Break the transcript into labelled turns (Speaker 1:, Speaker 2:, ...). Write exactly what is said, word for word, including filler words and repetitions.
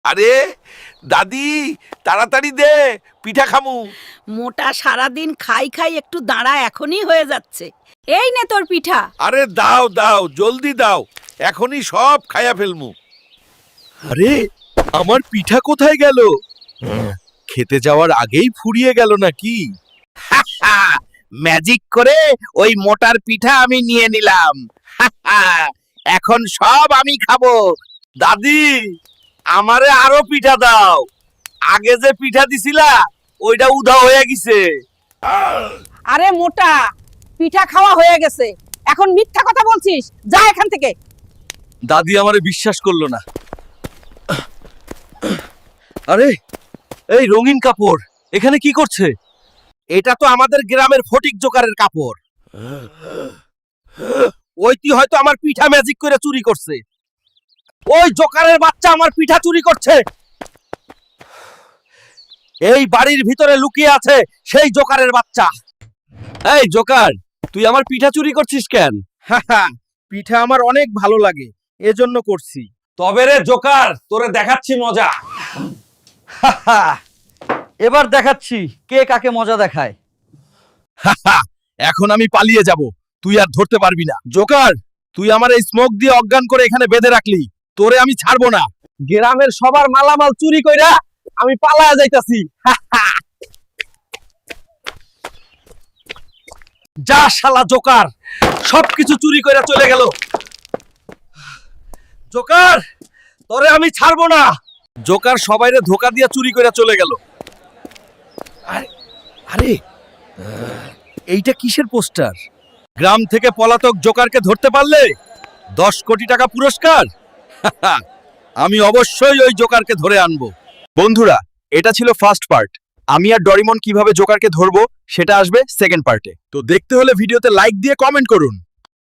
Speaker 1: আরে দাদি, তাড়াতাড়ি দে, পিঠা খামু।
Speaker 2: মোটা সারাদিন খাই খাই একটু দাঁড়া, এখনই হয়ে যাচ্ছে। এই নে তোর পিঠা।
Speaker 1: আরে দাও দাও, জলদি দাও, এখনই সব খায়া ফেলমু। আরে আমার পিঠা কোথায় গেল? খেতে যাওয়ার আগেই ফুরিয়ে গেল নাকি?
Speaker 3: ম্যাজিক করে ওই মোটার পিঠা আমি নিয়ে নিলাম। এখন সব আমি খাবো।
Speaker 1: দাদি, আমারে আরো পিঠা দাও। আগে যে পিঠা দিছিলা ওইটা উধা হয়ে গেছে।
Speaker 2: আরে মোটা, পিঠা খাওয়া হয়ে গেছে, এখন মিথ্যা কথা বলছিস, যা এখান থেকে।
Speaker 1: দাদি আমারে বিশ্বাস করলো না। আরে এই রঙিন কাপড় এখানে কি করছে?
Speaker 3: এটা তো আমাদের গ্রামের ফটিক জোকারের কাপড়। ওইটি হয়তো আমার পিঠা ম্যাজিক করে চুরি করছে। ওই জোকারের বাচ্চা আমার পিঠা চুরি করছে। এই বাড়ির ভিতরে লুকিয়ে আছে সেই জোকারের বাচ্চা।
Speaker 1: এই জোকার, তুই আমার পিঠা চুরি করছিস কেন?
Speaker 3: পিঠা আমার অনেক ভালো লাগে, এজন্য করছি।
Speaker 1: তবে রে জোকার, তোরে দেখাচ্ছি মজা।
Speaker 4: এবার দেখাচ্ছি কে কাকে মজা দেখায়।
Speaker 3: এখন আমি পালিয়ে যাব, তুই আর ধরতে পারবি না। জোকার, তুই আমার এই স্মোক দিয়ে অজ্ঞান করে এখানে বেঁধে রাখলি, তোরে আমি ছাড়বো না। গ্রামের সবার মালামাল চুরি কইরা আমি পালায়া যাইতাছি। যা শালা জোকার, সবকিছু চুরি কইরা চলে গেল। জোকার, তোরে আমি ছাড়বো না। জোকার সবাইরে ধোকা দিয়া চুরি কইরা চলে গেল। আরে আরে এইটা কিসের পোস্টার? গ্রাম থেকে পলাতক জোকারকে ধরতে পারলে দশ কোটি টাকা পুরস্কার। আমি অবশ্যই ওই জোকারকে ধরে আনবো। বন্ধুরা, এটা ছিল ফার্স্ট পার্ট। আমি আর ডরিমন কিভাবে জোকারকে ধরবো সেটা আসবে সেকেন্ড পার্টে। তো দেখতে হলে ভিডিওতে লাইক দিয়ে কমেন্ট করুন।